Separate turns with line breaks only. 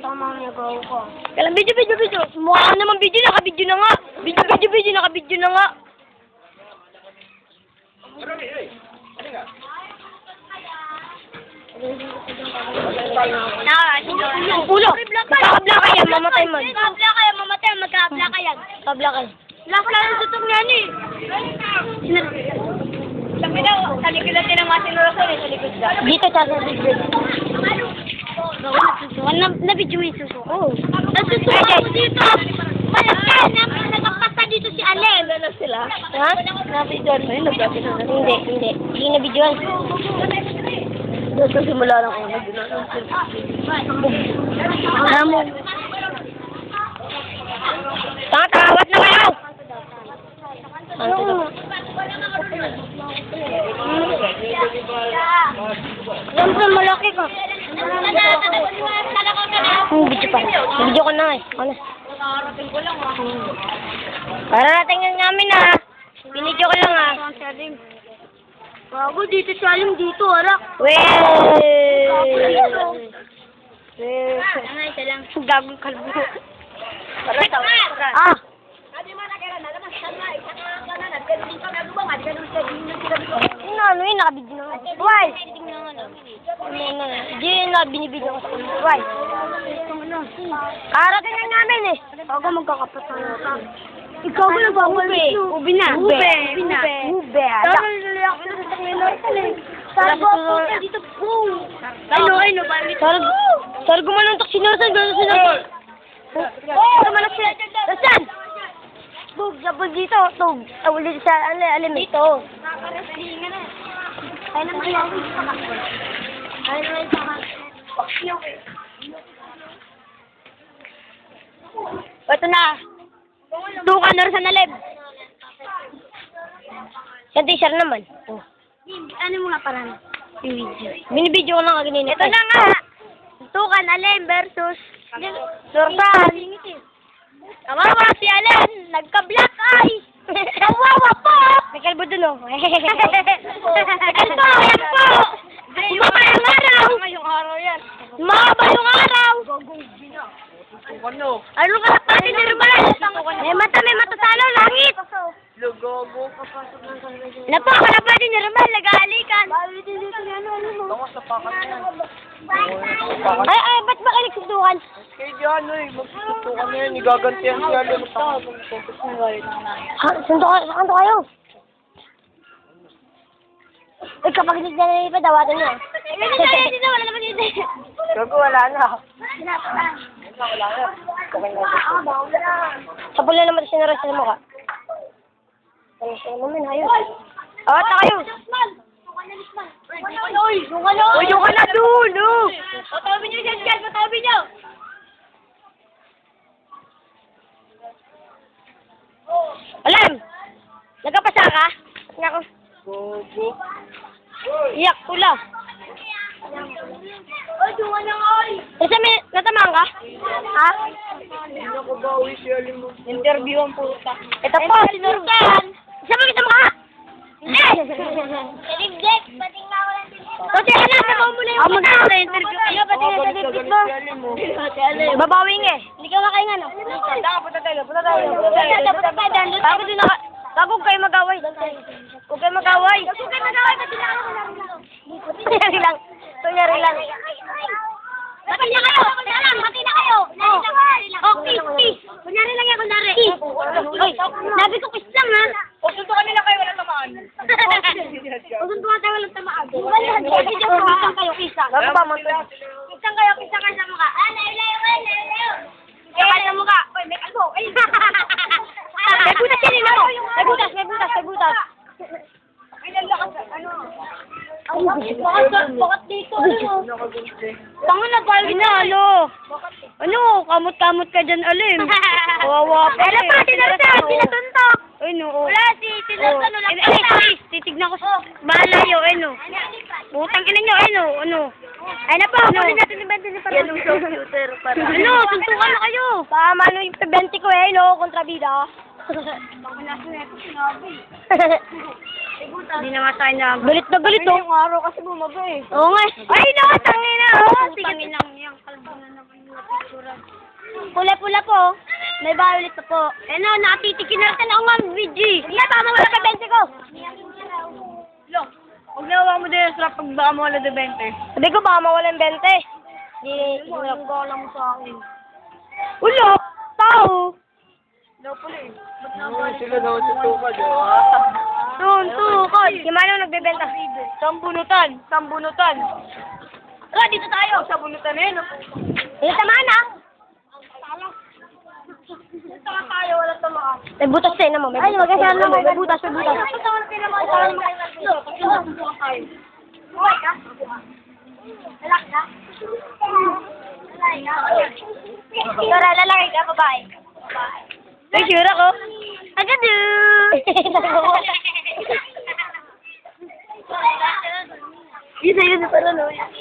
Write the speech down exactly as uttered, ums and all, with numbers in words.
Baka mamaya gawa ko.
Kailan video, video, video. Mukha ka naman video, naka-video na nga. Video, video, video, naka-video na nga. Ang ulo. Magkakabla ka yan, mamatay mo.
Magkakabla kayo, mamatay, magkakabla kayo.
Kabla ka.
Last lang yung tutok niyan eh. Sabi daw, sa likod natin ang mga sinurasan eh, sa likod daw.
Dito, sa sa video.
Susukan na, na-video mo yung susukan. Oo. Nasusukan ako dito. Malakyan na, nagpapasa dito si Alem.
Ano sila? Ha? Na-videoan mo yun? Nag-videoan na? Hindi, hindi. Hindi na-videoan. Doon sa simula lang ako nag-videoan. Alam mo. Tanga, tawat na kayo! Ano ko?
Siyempre, malaki ka.
Hmm, video pa. Video ko na eh. Ano? Para natin nga namin ah. Binidyo ko lang ah.
Bago dito si Alem dito, arak.
Weh!
Ano, isa lang.
Gagong kalbo.
Ah!
Ah! Ano, ano yun? Nakabidyo na nga. Why? Ano na? Hindi yun na binibidyo ko sa kanila. Why? Karating lang namin eh.
Bago magkakapatan ka. Ikaw ba nagbabalit?
Ubi na.
Ube.
Ube na. Ube.
Tama yung reaction sa kanila. Sargo po na dito. Boom! Ano, ano, bakit?
Sargo. Sargo manuntok sinursan. Gano'n sinursan. Sargo manuntok sinursan. Nasaan? Tug, sabog dito. Tug. Tawag dito sa alim. Dito.
Nakaka-wrestlingan na. Ay naman yung Ay naman yung saka.
Ito na. Tukan na rin sa nalib. Sa t-shirt naman. Oh.
Ano mo nga parang? Video.
Binibidyo ko lang kaganina.
Ito na nga. Tukan Alem versus
Sursan.
Kawawa si Alem. Nagka-black eye. Kawawa po.
May kalbo dun oh.
May kalbo. Yan po. Umaba yung araw.
Ngayong araw yan.
Umaba yung araw.
Ano?
Ano ka na pati ni Rumal? May mata, may mata sa ano, langit.
Lugogo.
Napo, ka na pati ni Rumal, nag-aalikan.
Ako sa pakat yan.
Ay, ay, ba't ba kayo nagsusukan?
Kaya dyan eh. Magsusukan na yan. Igagantihan siya. Ha? Saan ka? Saan kayo? Eh, kapag hindi na nalipad, dawatan nyo.
Hindi na, hindi na, wala naman yun.
Gago, wala na. Wala na. Okay na. Sabol na naman sinuras sa mukha. Ano siya naman, hayos. Awat na kayo.
Uy, yung ano?
Uy, yung ka na doon, oh.
Patabi niyo siya, siya, patabi niyo.
Alam! Nagkapasa ka? Nga ko.
Gogo.
Iyak, pula.
Uy, yung ano, oy.
Isa may natamaan ka? Ha?
Hindi ako bawi si Alim mo.
Interview ang puta. Ito po, sinurkan. Isa mo kita mukha. Hindi!
Tinibdek, pating nga walang tinibdek.
Kasi alam, nabaw mo na yung puta. Ano, interview kayo, pati nga sa dipit mo. Babawing eh. Hindi ka makainga, no?
Punta tayo, punta tayo.
Punta tayo, punta tayo.
Bago din naka... Bago kayo mag-away. Huwag kayo mag-away.
Kung kayo mag-away, pati na ako
Kunyari lang. Kunyari lang.
Pati na kayo, pati na lang, pati na kayo. Oh, peace, peace. Kunyari lang yan, kunyari. Peace. Uy, nabi ko peace lang, ha?
O, suntukan nila kayo, wala tamaan.
Kung suntukan tayo, walang tamaan. Kasi dyan, pisang kayo, pisang.
Bago ba mo?
Pisang kayo, pisang kayo sa mukha. Ah, layo, layo, layo, layo.
Pisang kayo sa mukha.
Uy, may kalbo. Ay,
May butas yan, ino. May butas, may butas, may butas.
Ay, lalakas, ano? Ay, bakit, bakit dito, ano?
Tango na tayo na, ano? Ano, kamot-kamot ka dyan, Alim. Kawawa pa
Pero
eh.
pa, tinursan, pinatuntok.
Ay, no. oh.
Wala, si tinursan,
Oh.
wala
Eh, eh, please, titignan ko sa malayo, eh, no. Butang ina nyo, eh, no. Ano?
Ay na po,
Ano?
muli natin ni Bente ni
Yan ang computer para. Ano, suntukan na kayo. Tama, ano yung twenty ko, eh, no. Kontrabida. Hindi na nga tayo na. Galit na galit, oh. Yung araw kasi bumaga, eh. Oo nga. Ay, no, tangin na, oh. Sige. Tangin lang yung kalbo na naman yung picture. pula-pula po. May violet na po.
Eh no, nakatitikin na natin ako nga, V G. Hindi, tama wala ka bente ko.
Lo, huwag nawa mo din sa pag baka mo wala de bente.
Sabi ko baka mawalan bente. Di,
Wala ko alam mo sa akin.
ulo, tao.
Daw pala eh. Oo, sila daw sa tuka, di ba?
Tun, tukod. Si Manong nagbebenta.
Sambunutan, sambunutan.
Tara, dito tayo.
Sambunutan eh, no?
Dito sa Manang.
Dito nga tayo, wala tamaan.
May butas tayo naman. May
Ay,
butas.
magkasama
May
mo.
May butas, may butas.
Buhay ka? Lalaki ka? Lalaki ka?
Tara, lalaki ka, babae. May sure ako.
Agadu!
Isa yun, parang ano.